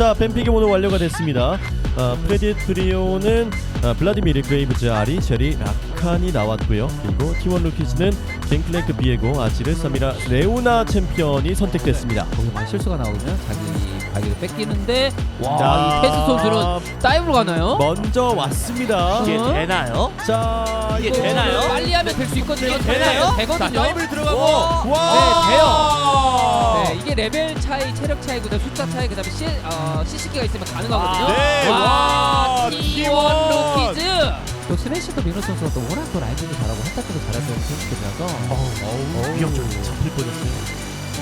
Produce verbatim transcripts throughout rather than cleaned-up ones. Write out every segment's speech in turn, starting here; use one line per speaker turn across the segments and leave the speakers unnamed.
자, 뱀픽이 모두 완료가 됐습니다. 어, 프레디 트리오는 어, 블라디미르, 그레이브즈, 아리, 쉐리, 라칸이 나왔고요. 그리고 티원 루키즈는 갱플랭크, 비에고, 아지르, 사미라, 레오나 챔피언이 선택됐습니다.
거기만 실수가 나오면 자기 발기를 뺏기는데 와,
자,
이 테스 선수는 다이브로 가나요?
먼저 왔습니다.
이게
어?
되나요?
자,
이게
이거
되나요?
빨리 하면 될 수 있거든요.
이게 되나요?
자,
되거든요.
다이브를 들어가고
와.
와,
네, 돼요. 네, 이게 레벨 차이, 체력 차이, 그다음 숫자 차이, 그다음에 시, 어, 씨씨기가 있으면 가능하거든요.
아,
네.
와,
와,
티원
티원.
루키즈. 또 스매시도 민호 선수가 또 워낙 또 라이딩도 잘하고 핫타크도 잘하는 선수들이라서
어우, 위협적으로 잡힐 뻔했어요.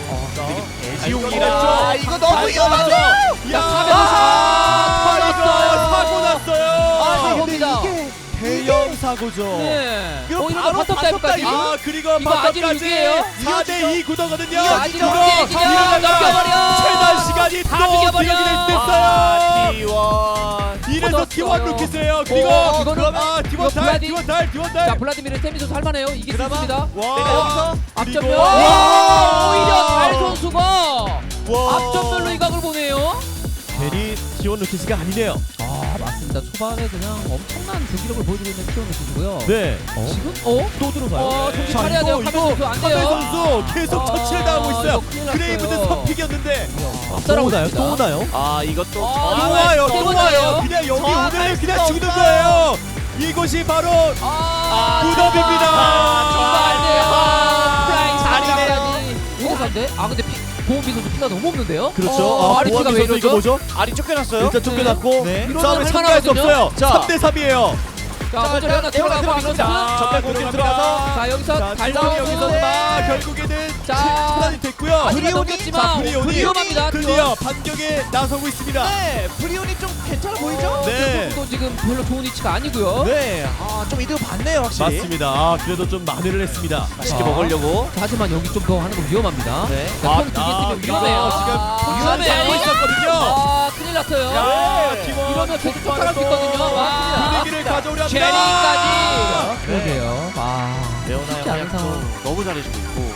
대지용이라
아,
이거 너무 위험하죠.
야,
아,
이거 사고 났어요.
아,
근데
사고입니다.
이게 대형 사고죠.
네.
이거
어, 이러면
바로
바텀 다이브까지.
아, 그리고
이거 아직
바텀까지
육이에요?
사 대 이 구도거든요.
이거 아직
이거
육이에요, 지금. 넘겨버려.
최단 시간이
다
또
죽여버려.
기억이
아,
됐어요.
티원.
이래서
뻗었어요.
티원 루키스예요. 그리고
어, 이거는-
아, 티원
이거
달,
블라디-
티원 달, 티원
자,
달.
블라디미르 세미 선수 할만해요. 이길 수
그나마-
있습니다.
와,
내가 여기서
앞전면.
그리고-
와, 오히려 달 선수가
와.
앞전면로 이 각을 보네요.
괜히 티원 루키스가 아니네요.
아, 맞습니다. 초반에 그냥 엄청난 경기력을 보여주고 있는 티원 선수고요.
네.
지금 어?
또 들어가요.
어, 정신
자,
차려야 돼요.
이거,
카메 선수
이거
안
카메
돼요.
선수 계속
아,
터치를 당하고 있어요.
이거 큰일 났어요.
그레이브드 선픽이었는데
앞서라고
또 오나요?
있습니다.
또 오나요?
아 이것도
아,
또
아,
와요,
세
또
번째예요.
와요. 그냥 여기
정확할
오늘 그냥
수가
죽는
없어요.
거예요. 이곳이 바로
아,
무덤입니다.
이거 안 돼요. 아, 프라이
잘이네요.
오사인데? 아, 근데 피, 보험비 선수 피가 너무 없는데요?
그렇죠.
어,
아,
아리 피가
보아비
왜
선수 이거
이러죠?
뭐죠?
알이 쫓겨났어요.
일단 쫓겨났고
네.
이러면
싸움에 참가할 수
할만하거든요?
없어요.
자.
삼 대 삼이에요.
자, 먼저 하나 들어가고 민호스.
전멸 공격 들어가서
자, 여기서
자,
달려
달성이 여기서 막 결국에는
자.
차단이 됐고요.
아직은
자,
넘겼지만
브리온이
위험합니다.
드디어 반격에 나서고 있습니다.
네, 브리온이 좀 괜찮아 보이죠?
네.
또 지금 별로 좋은 위치가 아니고요.
네, 아 좀 이득 봤네요 확실히.
맞습니다. 아, 그래도 좀 만회를 했습니다.
맛있게
자.
먹으려고.
하지만 여기 좀 더 하는 거 위험합니다.
네.
자,
아,
턴 두개
아,
쓰면 위험해요.
지금
아,
위험해 하고 있었거든요.
아, 큰일 났어요.
야,
네.
팀원
이러면 계속 쫓아갈 수 있거든요. 와.
분위기를 가져오려 합니다.
제리까지.
네.
그러게요. 아,
레오나의
쉽지 않은
활약도
상황.
너무 잘해주고 있고.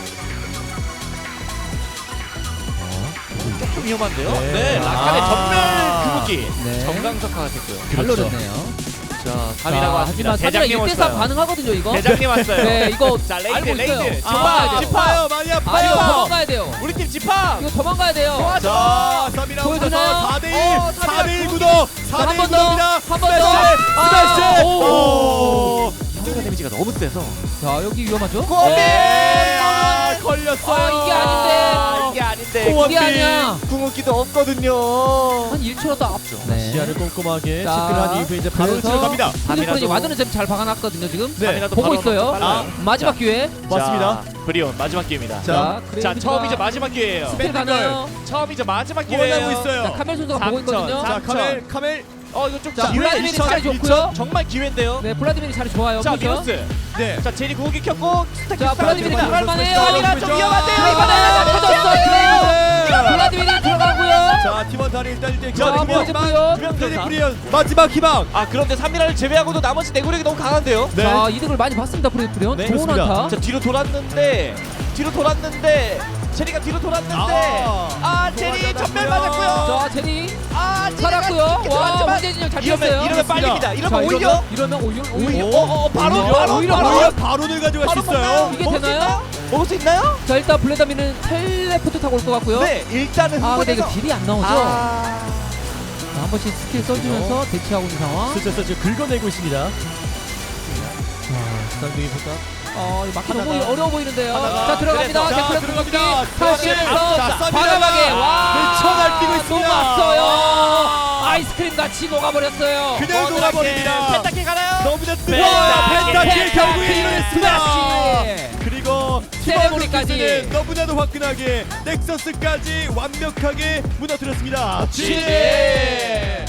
조금 위험한데요?
네.
네, 라칸의
아.
전멸 그무기.
네.
정강석화가 됐고요.
잘
그렇죠.
노렸네요.
자,
자,
삼이라고 왔습니다.
하지만 삼이라
대장님
일 대 삼
왔어요.
가능하거든요, 이거.
대장님 왔어요.
네, 이거
자, 레이드,
알고 있어요.
레이드.
도망가야
아,
돼요.
짚어요. 많이
아, 이거
아파요.
도망가야 돼요.
우리 팀 집합.
이거 도망가야 돼요.
자, 삼이라운드
보여주나요?
사 대 일.
어,
사 대 일 구도. 사
한
대 일
번 더.
구도입니다.
한 번 더.
스매시.
아,
스매시.
오.
오.
상대 데미지가 너무 세서.
자, 여기 위험하죠?
네. 아, 걸렸어요.
아, 이게 아닌데.
아, 이게 아닌데.
소원비.
이게 아니야.
궁극기도 없거든요.
한 일 초라도 앞죠. 네.
시야를 꼼꼼하게
자,
체크를 한 이후에 이제 바로
그래서
치러 갑니다.
핸드폰이
삼이라도-
와드는 지금 잘 박아놨거든요, 지금.
네.
삼이라도
보고
바로
있어요.
빨라요.
마지막
자,
기회.
맞습니다.
자, 브리온 마지막 기회입니다.
자,
자,
자,
그레이브즈가
처음이자 마지막 기회예요.
스펠 가나요?
처음이자 마지막 기회예요.
원하고 있어요.
자, 카멜 선수가 보고
삼천,
있거든요.
자,
삼-
카멜, 카멜.
어, 이거 좀
자,
기회.
블라디미르
이천,
자리
이천.
좋고요.
정말 기회인데요.
네, 블라디미르 자리 좋아요.
자,
그렇죠?
미노스.
네.
자, 제리 궁극기 켰고 스택
자, 블라디미르
자,
들어갈 만해요.
아니라 좀 위험한데요.
자, 이번에
이번에
터졌어요.
자,
블라디미르 들어가고요.
자, 팀원 다리 일단 일 대
자, 보여줬고요.
프리언 마지막 희망.
아, 그런데 삼미라를 제외하고도 나머지 내구력이 너무 강한데요.
네.
자, 이득을 많이 봤습니다, 프레프리온.
네,
좋은
그렇습니다.
한타.
자, 뒤로 돌았는데 뒤로 돌았는데 제리가 뒤로 돌았는데
아,
아, 제리 전멸 맞았고요.
자, 제리
아, 제리가
살았고요.
깊게
와,
들어갔지만
황제 진영 잘
이러면
뛰었어요.
이러면 빨립니다.
자,
이러면 오히려
이러면 오히려
오히려
오히려
어, 어, 바로
오히려,
바로
오히려
바로
바로 바론을 가져갈 수
바로
있어요.
먹나요?
이게
먹을 수
되나요?
있나요? 먹을 수 있나요?
자, 일단 블레다미는 텔레포트 타고 올 것 같고요.
네, 일단은
아, 근데 이거
흥분해서
딜이 안 나오죠?
아,
자, 한 번씩 스킬 써주면서 대치하고 있는 상황.
슬슬 슬슬 긁어내고 있습니다. 자, 쌍둥이보다
어, 이거 막기
하다가,
너무 어려워 보이는데요.
하다가,
자, 들어갑니다.
자,
자,
들어갑니다.
탈출해서
자,
과감하게 와,
미쳐 날뛰고 있습니다.
녹았어요. 아이스크림 같이 녹아버렸어요.
그냥 녹아버립니다.
펜타킬 가나요?
너무나 뜨거워요. 펜타킬 결국에
펜타킬
이뤄냈습니다.
스매시.
그리고
세레모니까지.
팀원들은 너무나도 화끈하게 넥서스까지 완벽하게 무너뜨렸습니다.
지지!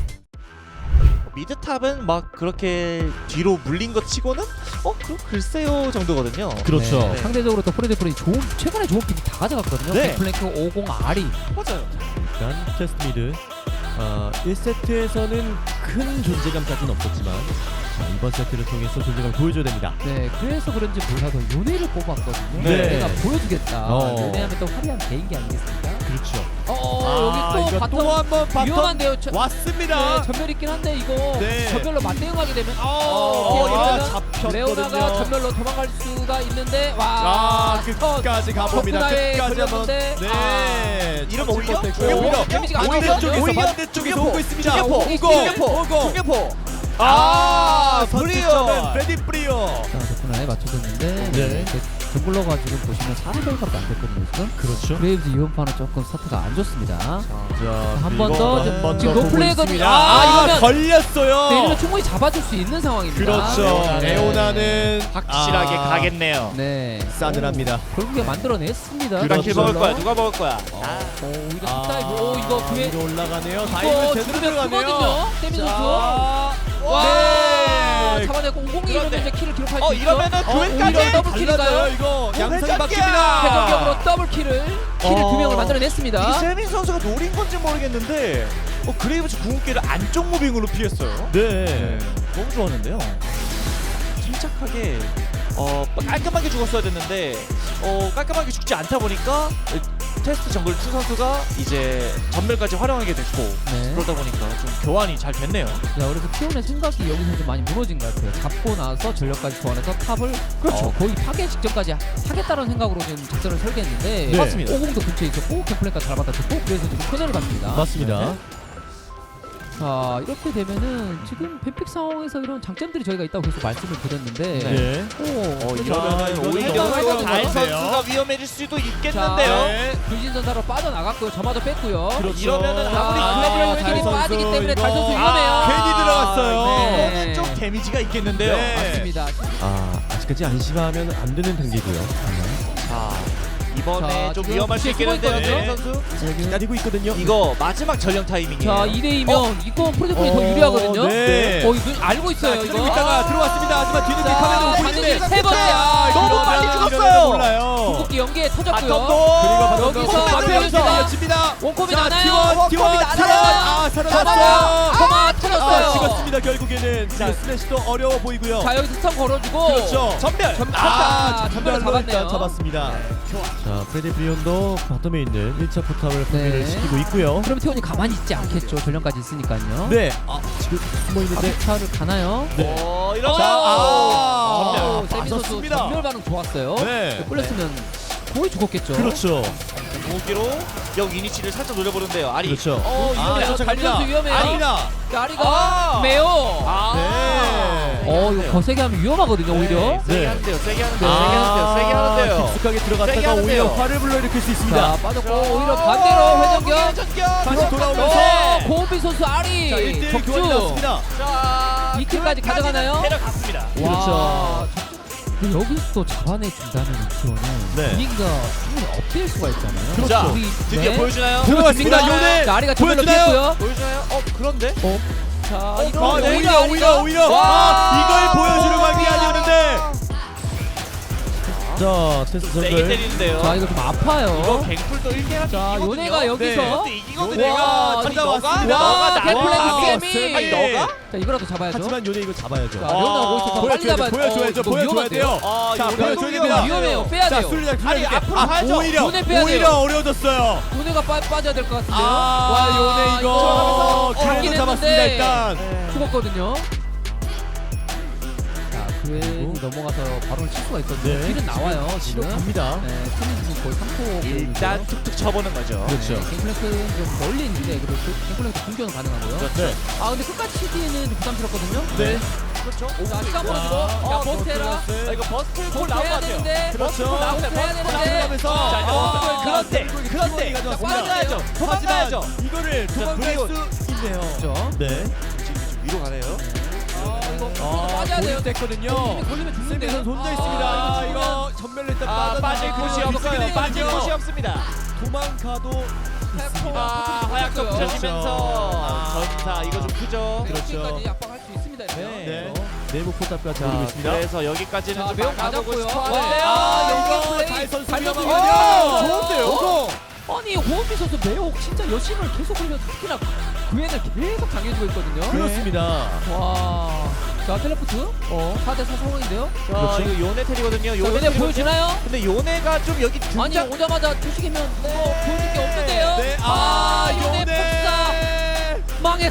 미드탑은 막 그렇게 뒤로 물린 것 치고는 어? 그 글쎄요 정도거든요.
그렇죠.
네. 상대적으로 또 프레드프리 좋은 최근에 좋은 픽이 다 가져갔거든요.
네.
플랭크 오십 아리.
맞아요.
일단 캐스트 미드 어, 일 세트에서는 큰 존재감까지는 없었지만 자, 이번 세트를 통해서 존재감을 보여줘야 됩니다.
네, 그래서 그런지 몰라도 요네를 뽑았거든요.
네.
내가 보여주겠다.
어.
요네하면 또 화려한 개인기 아니겠습니까?
그렇죠.
어,
아,
여기 또
이거
바텀
또 한번 바텀
위험한데요. 저,
왔습니다.
네, 전멸 있긴 한데 이거
네.
전멸로 맞대응하게 되면
어,
어,
아,
이러면
잡혔거든요.
레오나가 전멸로 도망갈 수가 있는데 와
아, 끝까지 가봅니다.
덕분에
끝까지 한번.
걸렸는데,
네.
아, 이러면
참지
오히려
못했고.
오히려
데미지가 안
반대쪽에서
좋거든요.
오히려
반대쪽에서
중계포,
오고 있습니다.
중계포,
오고
중계포,
오고.
중계포.
아,
브리오.
선취점은 프레디 브리오.
자, 덕분에 맞춰줬는데
네.
네. 정글러가 지금 보시면 사 레벨밖에 안 됐거든요 지금.
그렇죠.
브레이브즈 이번판은 조금 스타트가 안 좋습니다.
자,
한 번 더,
한번
지금
더
노플레이거든요.
보고 있습니다.
아,
아,
이거면-
걸렸어요.
네, 이러면 충분히 잡아줄 수 있는 상황입니다.
그렇죠.
레오나는
레오나는
확실하게
아,
가겠네요.
네.
싸늘합니다.
결국에 만들어냈습니다.
누가 킬
그렇죠.
먹을 거야? 누가 먹을 거야?
어,
아,
오, 이거
아,
탑다이브. 오, 이거 그에
위로 올라가네요. 다이브
이거
제대로
죽으면
들어가네요.
크거든요. 세미 선수.
자,
와,
네.
잡아내고 오공이 이러면
그런데-
이제 킬을 기록할
어
수 있죠.
이러면은
어,
그웬까지
오히려
더블 킬인가요?
달라져요. 이거 양상이
회전기야!
바뀝니다.
최종적으로 더블 킬을 킬을
어.
두 명을 만들어냈습니다.
이 세민 선수가 노린 건지 모르겠는데 어, 그레이브즈 궁극기를 안쪽 무빙으로 피했어요.
네.
너무 좋았는데요. 침착하게 어 깔끔하게 죽었어야 됐는데 어 깔끔하게 죽지 않다 보니까 테스트 정글 투 선수가 이제 전멸까지 활용하게 됐고
네.
그러다 보니까 좀 교환이 잘 됐네요.
자, 그래서 티온의 생각이 여기서 좀 많이 무너진 것 같아요. 잡고 나서 전력까지 소환해서 탑을
그렇죠.
어, 거의 파괴 직전까지 하- 하겠다는 생각으로 지금 작전을 설계했는데
네.
맞습니다.
오공도 근처에 있었고 캠플랭까지 잘 받아줬고 그래서 지금 코너를 받습니다.
맞습니다.
네. 자, 이렇게 되면은 지금 뱀픽 상황에서 이런 장점들이 저희가 있다고 계속 말씀을 드렸는데
네.
오,
어,
그래서
이러면은
이거는
오히려
일단
달
해가지고요.
선수가 위험해질 수도
자,
있겠는데요.
네.
불신전사로 빠져나갔고요. 저마저 뺐고요.
그렇죠.
이러면은
자,
아무리
아,
글래블
달
웨이팅이
빠지기
선수
때문에
이거-
달 선수
아,
위험해요.
괜히 들어갔어요.
네.
이거는 좀 데미지가 있겠는데요.
네.
맞습니다.
아, 아직까지 안심하면 안 되는 단계고요.
자 이번에
자,
좀
지금
위험할 수
뒤에
있겠는데요,
숨어
세민
있거든요.
선수.
기다리고 있거든요.
이거 마지막 전령 타이밍이에요.
자, 이 대이면 이거 프로젝트이 더
어,
유리하거든요.
네.
어, 이거 알고 있어요,
자,
이거.
기다리고 있다가 들어왔습니다. 하지만 뒤늦게
자,
카메라 오고
반드시
있는데
세 번째. 아,
너무
이러면
빨리
이러면
죽었어요.
몰라요.
궁극기 연계에 터졌고요.
바텀도
그리고 바텀도
여기서
바텀에서
앞에
이어집니다.
원콤이
자,
나나요?
T1,
원콤이
T1,
나나요?
T1. 아,
잡아요.
살아났어요.
터마
아,
터졌어요.
찍었습니다. 결국에는 자, 스매시도 어려워 보이고요.
자, 여기서 스턴 걸어주고.
그렇죠.
전멸.
전-
아,
아,
전멸로
전멸을
일단
잡았네요.
잡았습니다. 자, 프레디 브리온도 바텀에 있는 일 차 포탑을 분리를
네.
시키고 있고요.
그럼 태원이 가만히 있지 않겠죠. 전령까지 있으니까요.
네, 아, 지금 숨어 있는데.
아비타를 가나요?
네.
어,
자,
이러면
아,
전멸. 세미 선수
맞았습니다.
전멸 반응 좋았어요.
네.
꿀렸으면 거의 죽었겠죠.
그렇죠.
궁극기로 역 이니치를 살짝 노려보는데요. 아리.
그렇죠.
어,
아,
이러면
저-
쫓아갑니다.
달선수 위험해요.
아닙니다.
자, 아리가
아.
매요.
아.
네.
어, 이거 거세게 하면 위험하거든요, 오히려.
네. 세게
네.
하는데요. 세게 하는데요. 세게 하는데요. 세게 하는데요.
깊숙하게
세게
들어갔다가
하는데요.
오히려 화를 불러일으킬 수 있습니다.
자, 빠졌고 오히려 반대로 회전격.
회전격.
다시 돌아오면서
어, 고은비 선수 아리.
자, 일 대 일 교환이
적중.
나왔습니다.
자,
이 킬까지
그까지는
가져가나요?
데려갔습니다.
그렇죠.
근데 여기서 또 잡아내준다는 티원은
네.
분위기가 충분히 업될 수가 있잖아요.
그렇죠.
자,
우리-
드디어
네.
보여주나요?
들어갔습니다.
보여줍니다.
요네.
자, 아리가 전멸로
보여주나요?
피했고요.
보여주나요? 어, 그런데?
자,
어,
이거
아,
네.
오히려 오히려 오히려
와.
아, 이걸 보여주려고 한 게 아니었는데. 자, 테스트
세게
선글.
때리는데요.
자, 이거 좀 아파요.
이거 갱풀도 일 개가
자, 요네가 여기서
이것도 이기거든요.
요네가
아니,
찾아왔습니다.
너가
와,
너가
갱플랭크
나와.
세미.
아니 너가?
자, 이거라도 잡아야죠.
하지만 요네 이거 잡아야죠.
자, 레오나 오고 있어서 빨리
보여줘야
잡아야
돼, 보여줘야죠.
이거
보여줘야
위험한데요?
돼요.
아,
자,
요네
보여줘야
너무
됩니다.
위험해요. 빼야
자,
돼요.
술리자
아니,
술리자.
앞으로
아,
가야죠.
오히려
요네 빼야
오히려
돼요.
어려워졌어요.
요네가 빠, 빠져야 될 것 같은데요.
아,
와,
요네 이거
어,
그래도
잡긴
잡았습니다
했는데.
일단.
네.
죽었거든요. 자, 그웬이 넘어가서 바로 칠 수가 있었는데
네.
킬은 나와요
치료
지금.
갑니다.
네, 킬은 지금 거의 삼 코.
일단 툭툭 쳐보는 거죠.
그렇죠.
갱플랭크는 좀 멀리 있는데 그래도 갱플랭크 공격은 가능하고요.
네.
아, 근데 끝까지 치기에는 좀 부담스럽거든요.
네.
그렇죠.
자, 시간
자,
벌어주고.
어,
자, 버스테라.
아, 이거 버스트 골
버스
나온 것
해야
같아요.
되는데.
그렇죠.
버스트 나오는데
버스 해야
버스트
되는데.
나오면서
어,
자,
아,
그런데
결국에
그런데
키워드가
그런데
좋았습니다.
도망가야죠. 도망가야죠.
하지만 이거를 도망갈
브리온.
수 있네요.
그렇죠.
네.
지금 좀 위로 가네요.
아, 이거
아,
빠져야 돼요.
됐거든요.
걸리면, 걸리면 죽는데요.
세미선 혼자
아,
있습니다.
이거
이거 전멸 일단
아, 빠질
빠져나가고
곳이
있거든요.
없어요. 빠질 곳이 없습니다.
도망가도 있습니다.
아, 화약도
그렇죠.
붙여지면서
아.
전사 이거 좀 크죠.
그렇죠.
여기까지 압박할 수 있습니다. 이러면.
네. 내부 포탑까지 오고
자,
있습니다.
그래서 여기까지는
자,
좀
매우
막아보고
맞았고요.
싶어
와,
하는데요.
아,
이거
연결 플레이.
달 선수
발목
위험하거든요.
위험해요.
좋은데요. 오고.
아니, 호흡비 선수 매혹 진짜 여심을 계속 흘려 특히나 그애를 계속 당해주고 있거든요.
그렇습니다.
와. 자, 텔레포트. 어, 사 대 사 상황인데요.
자,
그렇죠.
이거 요네 테리거든요.
자,
요네
얘네
테리거든요.
보여주나요?
근데 요네가 좀 여기 등장
아니, 오자마자 투식이면 뭐 보여줄 게 없는데요.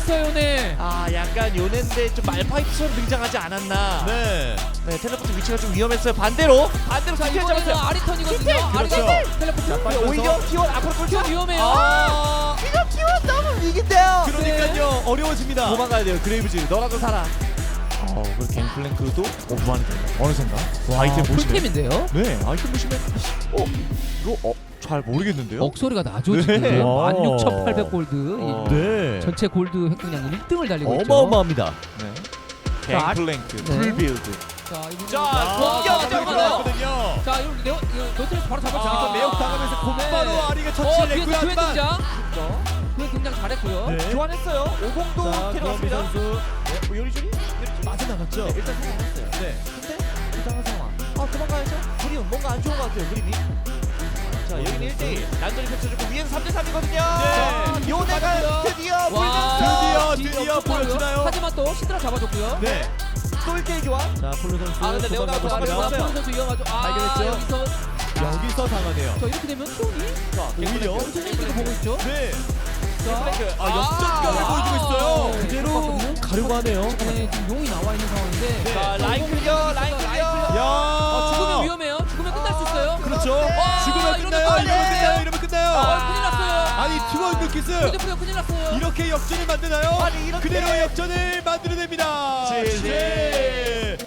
끊겼어요 요네.
아 약간 요네인데 좀 말파이트처럼 등장하지 않았나.
네.
네 텔레포트 위치가 좀 위험했어요. 반대로 반대로
자
스킬
이번에는
잡았어요.
아리턴이거든요.
그렇죠.
아리턴 텔레포트.
자, 빨리
오히려 티원 앞으로
좀
꿀
위험해요.
아,
이거 티원 너무 위기인데요.
그러니까요. 어려워집니다.
도망가야 돼요. 그레이브즈 너라도 살아. 어 그리고 갱플랭크도 오버만이 됩니다. 어느샌가
와,
아이템 보시면
풀템인데요.
네 아이템 보시면 어 이거 어잘 모르겠는데요.
억소리가 나죠
네.
지금.
와.
만 육천팔백 골드.
어.
이
네.
전체 골드 획득량 일 등을 달리고 있죠.
어마어마합니다.
네.
자,
갱플랭크
네.
풀빌드.
자, 이분
자,
와,
공격
자,
들어가요.
거든요.
자, 이거 레오 이거 노트레스 바로 잡았죠.
아,
매혹 당하면서 곧바로
네.
아리가
어,
처치를
뒤에서
했고요.
교회
하지만
등장. 교회 등장 잘했고요.
네.
교환했어요. 오공도
자, 구원비
데려왔습니다.
선수
네, 뭐 요리조리
맞아 나갔죠.
네, 일단 성공했어요.
네.
근데 이상한 상황. 아 도망가야죠. 그림 뭔가 안 좋은 것 같아요. 그림이. 자 여기는 일 대일 난전이 펼쳐지고 위에는 삼 대 삼이거든요.
네.
요네가 드디어
와,
불면서
드디어, 드디어
역습하고요.
보여주나요?
하지만 또 시드라 잡아줬고요.
네.
또 일 대일 교환.
자, 폴로 선수
아, 근데 레오나가
도망가고
도망가고
있습니다.
있어요.
폴 선수 위험하죠. 아,
발견했죠?
여기서
여기서 당하네요.
자 이렇게 되면 티온이
자
오히려
엄청나게 보고 있죠.
네.
갱플랭크.
아, 역전각을
아.
보여주고 있어요.
네.
그대로 가려고 하네요.
네, 지금 용이 나와 있는 상황인데.
네.
자 라인 클리어 라인 클리어.
야.
어, 죽으면 위험해요. 죽으면 끝날 수 있어요.
그렇죠.
와,
죽으면
이러면
끝나요.
빨리
이러면
해요.
끝나요. 이러면 끝나요.
아, 큰일 났어요.
아니, 팀원 루키스
휴대폰이 큰일 났어요.
이렇게 역전을 만드나요?
아니, 이렇게.
그대로 역전을 만들어냅니다.
지, 지.